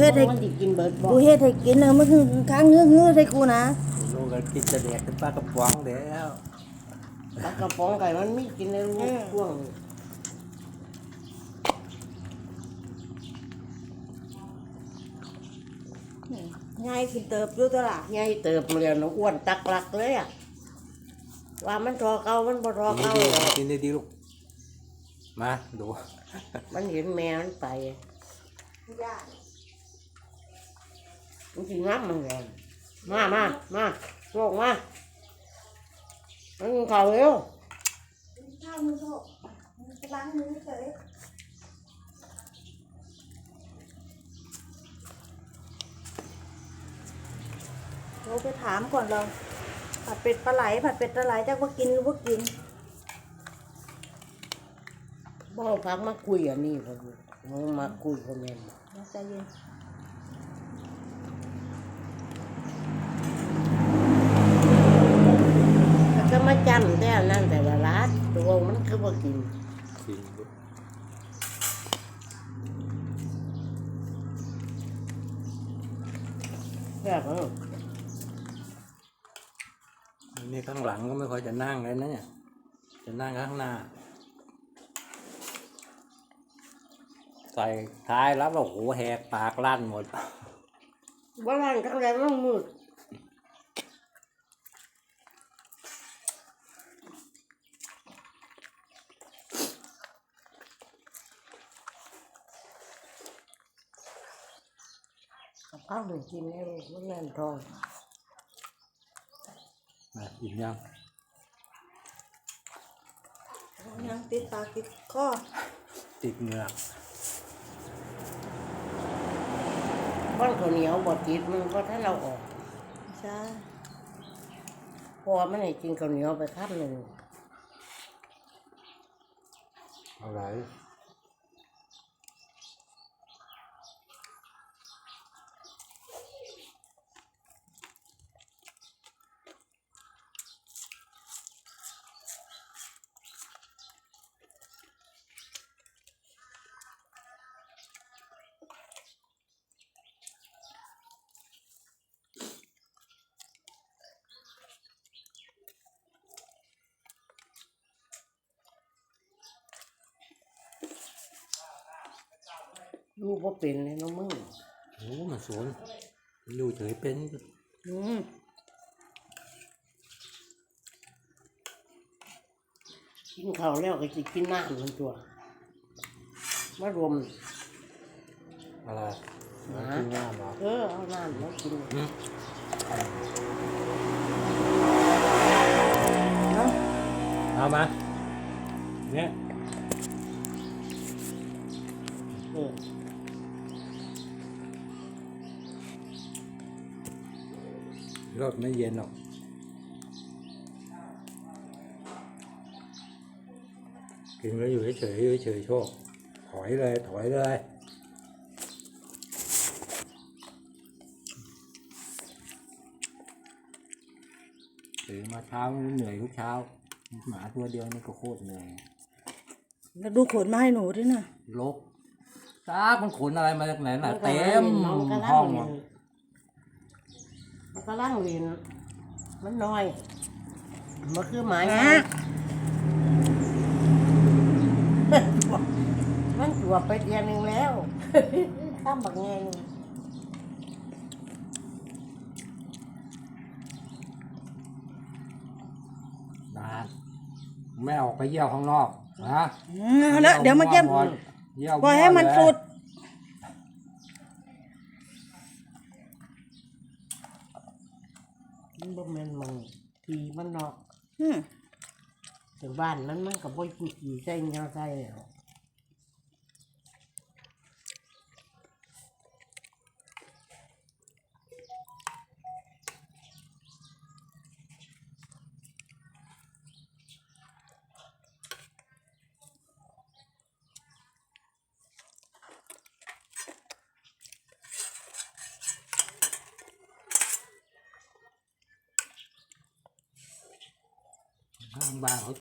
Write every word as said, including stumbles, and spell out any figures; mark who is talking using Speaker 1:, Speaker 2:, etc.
Speaker 1: ฮ็ดให้
Speaker 2: มันสิกินเบิดบ่
Speaker 1: กูเฮ็ดให้กินเออมันคือค้างเงื้อเงื้อใส่กูนะ
Speaker 3: ลูกก็กินจะแดกเป็นปลากระป๋องแล้ว
Speaker 2: ปลากระป๋องไก่มันมีกินในลูกช่วง
Speaker 1: ง่ายกินเติบอยู่ตัวล่ะ
Speaker 2: ใหญ่เติบมาแล้วน้องอ้วนตักหลักเลยอ่ะว่ามันรอเก่ามันบ่รอ
Speaker 3: กิน
Speaker 2: เก่า
Speaker 3: ดี
Speaker 2: หรอก
Speaker 3: ๆกินดีๆลูกมาดู
Speaker 2: มันเห็นแม่มันไปมันสิงับมันเลยมามามาโลกมามันกินข้าวเร็ว
Speaker 1: ข้าวมือโตล้างมือเฉยเราไปถามก่อนเราผัดเป็ดปลาไหลผัดเป็ดปลาไหลจะว่ากินหรือว่ากิน
Speaker 2: บ่พักมาคุยอันนี้ผมมึงมาคุยกับแม่น
Speaker 1: ใจเย็น
Speaker 2: แล้วก็มาจำแต่อันนั่นแต่ละร้านตัวมันคือบ่กิน
Speaker 3: กินลูก
Speaker 2: แบบนั้น
Speaker 3: นี่ข้างหลังก็ไม่ค่อยจะนั่งเลยนะเนี่ยจะนั่งข้างหน้าใส่ท้ายรับแล้วโหแหกปากลั่นหมด
Speaker 2: ว่าร้านข้างในมันมืดกับข้าวหนึ่งกินให้ลูกมันแน่นท้อง
Speaker 3: มาอิ่มยัง
Speaker 1: ยังติดปากติดคอ
Speaker 3: ติดเหงือก
Speaker 2: บ้านข้าวเหนียวบดติดมันก็ถ้าเราออก
Speaker 1: ใช่
Speaker 2: พอมันให้กินข้าวเหนียวไปคาบหนึ่ง
Speaker 3: อะไร
Speaker 2: ลูกว่าเป็นเลยน้องมึง
Speaker 3: โอ้มันสวนอยู่เฉยเป็น
Speaker 2: อืมกินข้าวแล้วก็จะกินน้ำมันตัวมารวม
Speaker 3: อะไร
Speaker 2: หา
Speaker 3: กินง่ามเหรอ
Speaker 2: เออเอาน้ำมากิน
Speaker 3: อืม
Speaker 1: เนาะ
Speaker 3: เอามาเนี่ย
Speaker 2: เออ
Speaker 3: รถไม่เย็นหรอกกินแล้วอยู่เฉยๆอยู่เฉยๆโชคถอยเลยถอยเลยตื่นมาเช้าเหนื่อยทุกเช้าหมาตัวเดียวนี่ก็โคตรเหนื่อย
Speaker 1: แล้วดูขนมาให้หนูด้วยนะ
Speaker 3: ลกซาบมันขนอะไรมาจากไหนน่ะเต็ม
Speaker 2: มันก็
Speaker 3: ห้
Speaker 2: ล่า
Speaker 3: อง ง
Speaker 2: เรีย
Speaker 3: อ่ะ
Speaker 2: นมันก็ล่างเรียนมันน้อยมันคือหมาย
Speaker 1: ฮะ
Speaker 2: มันจวบไปเดือนหนึ่งแล้ว ข้ามบักแงง
Speaker 3: นะไม่ออกไปเยี่ยวข้างนอกนะ
Speaker 1: อืมเอาละเดี๋ยวมาเยี่ยม
Speaker 3: เยี่ยว
Speaker 1: ปล่อยให้มันสุด
Speaker 2: มันบ่แม่นมึงทีมันนอก
Speaker 1: อืม
Speaker 2: ถึงบ้านมันมันกับบ่กี่กี่ใส่เงาใส่แล้ว
Speaker 3: ข้างบ้านเขา